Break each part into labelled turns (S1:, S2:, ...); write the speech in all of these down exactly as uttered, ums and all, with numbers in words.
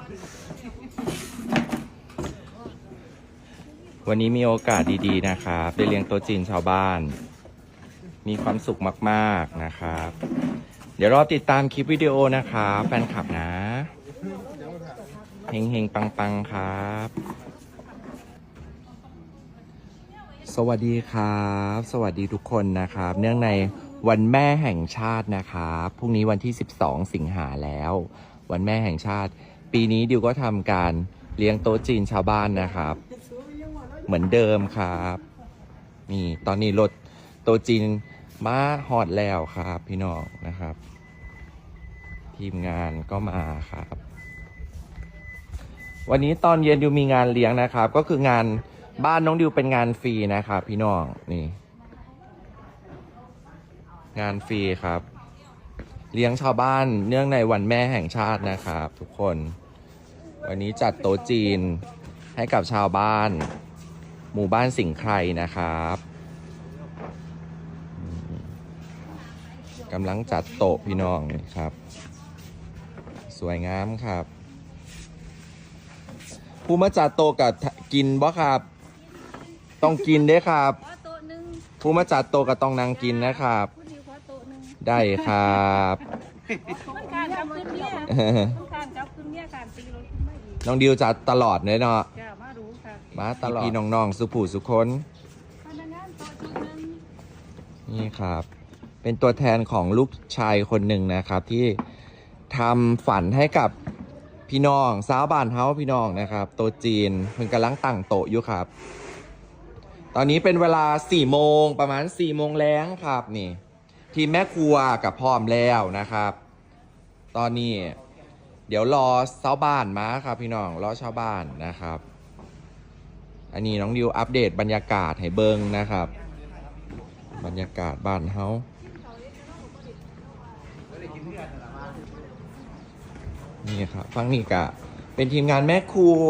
S1: วันนี้มีโอกาสดีๆนะครับได้เลี้ยงโต๊ะจีนชาวบ้านมีความสุขมากๆนะครับเดี๋ยวรอติดตามคลิปวิดีโอนะครับแฟนคลับนะเฮงๆปังๆครับสวัสดีครับสวัสดีทุกคนนะครับเนื่องในวันแม่แห่งชาตินะครับพรุ่งนี้วันที่สิบสองสิงหาแล้ววันแม่แห่งชาติปีนี้ดิวก็ทำการเลี้ยงโต๊ะจีนชาวบ้านนะครับเหมือนเดิมครับนี่ตอนนี้รถโต๊ะจีนมาฮอดแล้วครับพี่น้องนะครับทีมงานก็มาครับวันนี้ตอนเย็นดิวมีงานเลี้ยงนะครับก็คืองานบ้านน้องดิวเป็นงานฟรีนะครับพี่น้องนี่งานฟรีครับเลี้ยงชาวบ้านเนื่องในวันแม่แห่งชาตินะครับทุกคนวันนี้จัดโต๊ะจีนให้กับชาวบ้านหมู่บ้านสิงห์ไครนะครับกำลังจัดโต๊ะพี่น้องนี่ครับสวยงามครับผู้มาจัดโต๊ะกับกินบ่ครับต้องกินด้วยครับผู้มาจัดโต๊ะกับต้องนั่งกินนะครับได้ครับน้องดิวจัดตลอดเลยเนาะมาตลอดพี่น้องๆสุผู้สุคนนี่ครับเป็นตัวแทนของลูกชายคนหนึ่งนะครับที่ทำฝันให้กับพี่น้องสาวบ้านเฮาพี่น้องนะครับโต๊ะจีนเพิ่งกำลังตั้งโต๊ะอยู่ครับตอนนี้เป็นเวลาสี่โมงประมาณสี่โมงแล้งครับนี่ทีมแม่ครัวกับพร้อมแล้วนะครับตอนนี้เดี๋ยวรอชาวบ้านมาครับพี่น้องรอชาวบ้านนะครับอันนี้น้องดิวอัปเดตบรรยากาศให้เบิ่งนะครับบรรยากาศบ้านเฮานี่ครับฟังนี่กะเป็นทีมงานแม่ครัว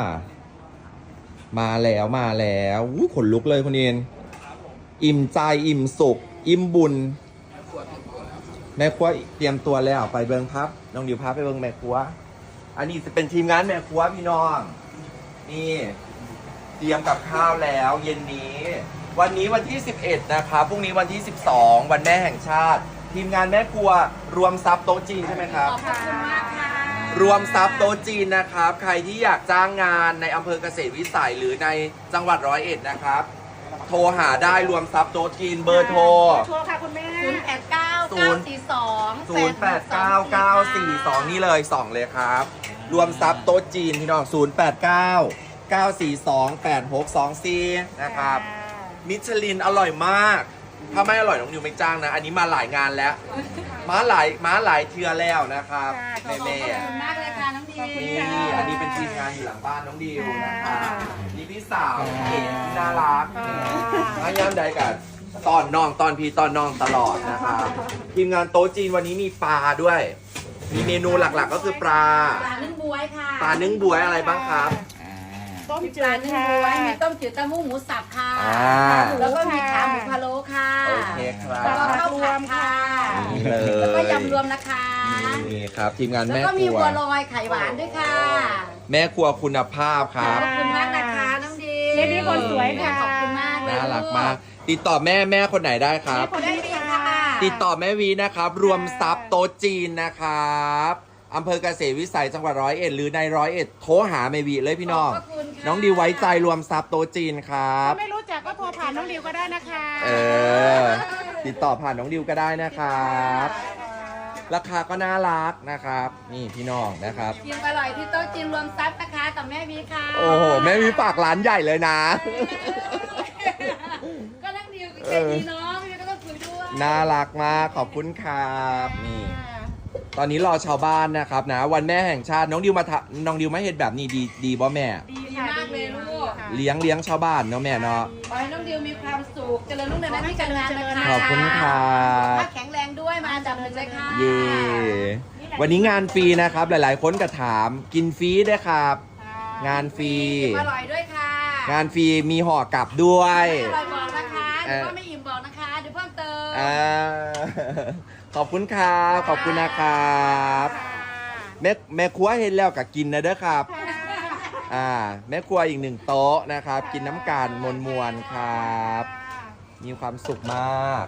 S1: มาแล้วมาแล้วอู้ขนลุกเลยคุณเอ็นอิ่มใจอิ่มสุขอิ่มบุญแม่ครัวเตรียมตัวแล้วไปเบิ่งครับน้องดิวพาไปเบิ่งแม่ครัวอันนี้จะเป็นทีมงานแม่ครัวพี่น้องนี่เตรียมกับข้าวแล้วเย็นนี้วันนี้วันที่สิบเอ็ดนะครับพรุ่งนี้วันที่สิบสองวันแม่แห่งชาติทีมงานแม่ครัวรวมทรัพย์โต๊ะจีนใช่ไหมครับขอบคุณมากค่ะรวมทรัพย์โต๊ะจีนนะครับใครที่อยากจ้างงานในอำเภอเกษตรวิสัยหรือในจังหวัดร้อยเอ็ดนะครับโทรหาได้รวมทรัพย์โต๊ะจีนเบอร์โทร
S2: โทรค่ะคุณแม่ศูนย์แปดเก้า
S1: เก้า สี่ สอง ศูนย์แปดเก้า เก้า สี่ สองนี่เลยสองเลยครับรวมทรัพย์โต๊ะจีนพี่น้องศูนย์แปดเก้า เก้า สี่ สอง แปด หก สอง สี่นะครับมิชลินอร่อยมากถ้าไม่อร่อยน้องนิวไม่จ้างนะอันนี้มาหลายงานแล้วมาหลายมาหลายเทือแล้วนะครับแม่แม่
S2: ขอบคุณมากเลยค่ะน้องดิว
S1: นี่อันนี้เป็นทีมงานอยู่หลังบ้านน้องดิวนะครับนี่พี่สาวเก๋ที่น่ารักมาย้ำใดกันตอนน้องตอนพี่ตอนน้องตลอดนะครับทีมงานโต๊ะจีนวันนี้มีปลาด้วยมีเมนูหลักๆก็คือปลา
S2: ปลานึ่งบวยค่ะ
S1: ปลานึ่งบวยอะไรบ้างครับ
S2: ต้มจืดค่ะมีต้มจืดเต้าหู้หมูสับค่ะแล้วก็มีขาหมูพะโล้ค่ะ
S1: โอเคครับ
S2: แล้วก็ข้าวผัดค่ะ
S1: นี่เลย
S2: แล้วก็ยำรวมนะคะ
S1: นี่ครับทีมงานแม่ครัว
S2: แล้วก็มีบัวลอยไข่หวานด้วยค่ะ
S1: แม่ครัวคุณภาพครับ
S2: ขอบคุณมากนะคะน้องดี
S3: เจนี่คนสวยค่ะ
S2: ขอบคุณมาก
S1: น่ารักมากติดต่อแม่แม่คนไหนได้ครับ
S2: ได้ค่ะ
S1: ติดต่อแม่วีนะครับรวมทรัพย์โต๊ะจีนนะครับอำเภอเกษตรวิสัยจังหวัดร้อยเอ็ดหรือในร้อยเอ็ดโทรหาแม่วีเลยพี่น้องน้องดิวไว้ใจรวมทรัพย์โต๊ะจีนครับ
S3: ถ้าไม่รู้จักก็โทรผ่านน้องดิวก็ได้นะคะ
S1: เออติดต่อผ่านน้องดิวก็ได้นะครับราคาก็น่ารักนะครับนี่พี่น้องนะครับ
S2: กินอร่อยที่โต๊ะจีนรวมทรัพย์นะคะกับแม่วีค่ะ
S1: โอ้โหแม่วีฝากร้านใหญ่เลยนะ
S2: ก็นั่งดิวกับเจนี่น้องก็ต้องคุยด้วย
S1: น่ารักมากขอบคุณครับนี่ตอนนี้รอชาวบ้านนะครับนะวันแม่แห่งชาติน้องดิวมาน้องดิวมาเห็นแบบนี้ดีดีบ่แม่
S2: ดีมากเลยลูก
S1: เลี้ยงเลี้ยงชาวบ้านเนาะแม่เนาะ
S2: ขอให้น้องดิวมีความสุขเจริญรุ่งเรืองในที่การงานนะคะ
S1: ขอบคุณครับ
S2: แข็งแรงด้วยมาจับมือเลยค่ะ
S1: เย่วันนี้งานฟรีนะครับหลายๆคนก็ถามกินฟรีด้วยครับงานฟรี
S2: อร่อยด้วยค่ะ
S1: งานฟรีมีห่อกลับด้วย
S2: อร่อยบอกนะคะเดี๋ยวว่าไม่อิ่มบอกนะคะเดี๋ยวเพิ่มเติม
S1: ขอบคุณครับขอบคุณนะครับแม่แม่ครัวเห็นแล้วก็กินนะเด้อครับ อ่าแม่ครัวอีกหนึ่งโต๊ะนะครับ กินน้ำกันมวลมวลๆครับ มีความสุขมาก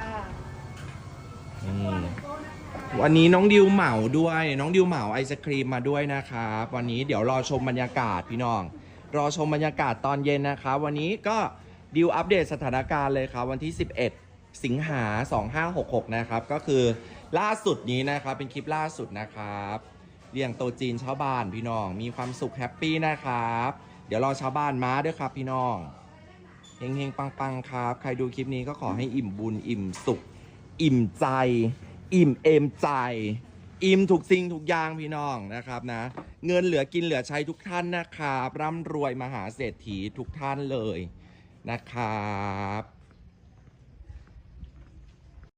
S1: อืมวันนี้น้องดิวเหมาด้วยน้องดิวเหมาไอศครีมมาด้วยนะครับวันนี้เดี๋ยวรอชมบรรยากาศพี่น้อง รอชมบรรยากาศตอนเย็นนะครับวันนี้ก็ดิวอัปเดตสถานการณ์เลยครับวันที่สิบเอ็ดสิงหาสองห้าหกหกนะครับก็คือล่าสุดนี้นะครับเป็นคลิปล่าสุดนะครับเลี้ยงโตจีนชาวบ้านพี่น้องมีความสุขแฮปปี้นะครับเดี๋ยวรอชาวบ้านมาด้วยครับพี่น้องเฮงเฮงปังปังครับใครดูคลิปนี้ก็ขอให้อิ่มบุญอิ่มสุขอิ่มใจอิ่มเอมใจอิ่มทุกสิ่งทุกอย่างพี่น้องนะครับนะเงินเหลือกินเหลือใช้ทุกท่านนะครับร่ำรวยมหาเศรษฐีทุกท่านเลยนะครับ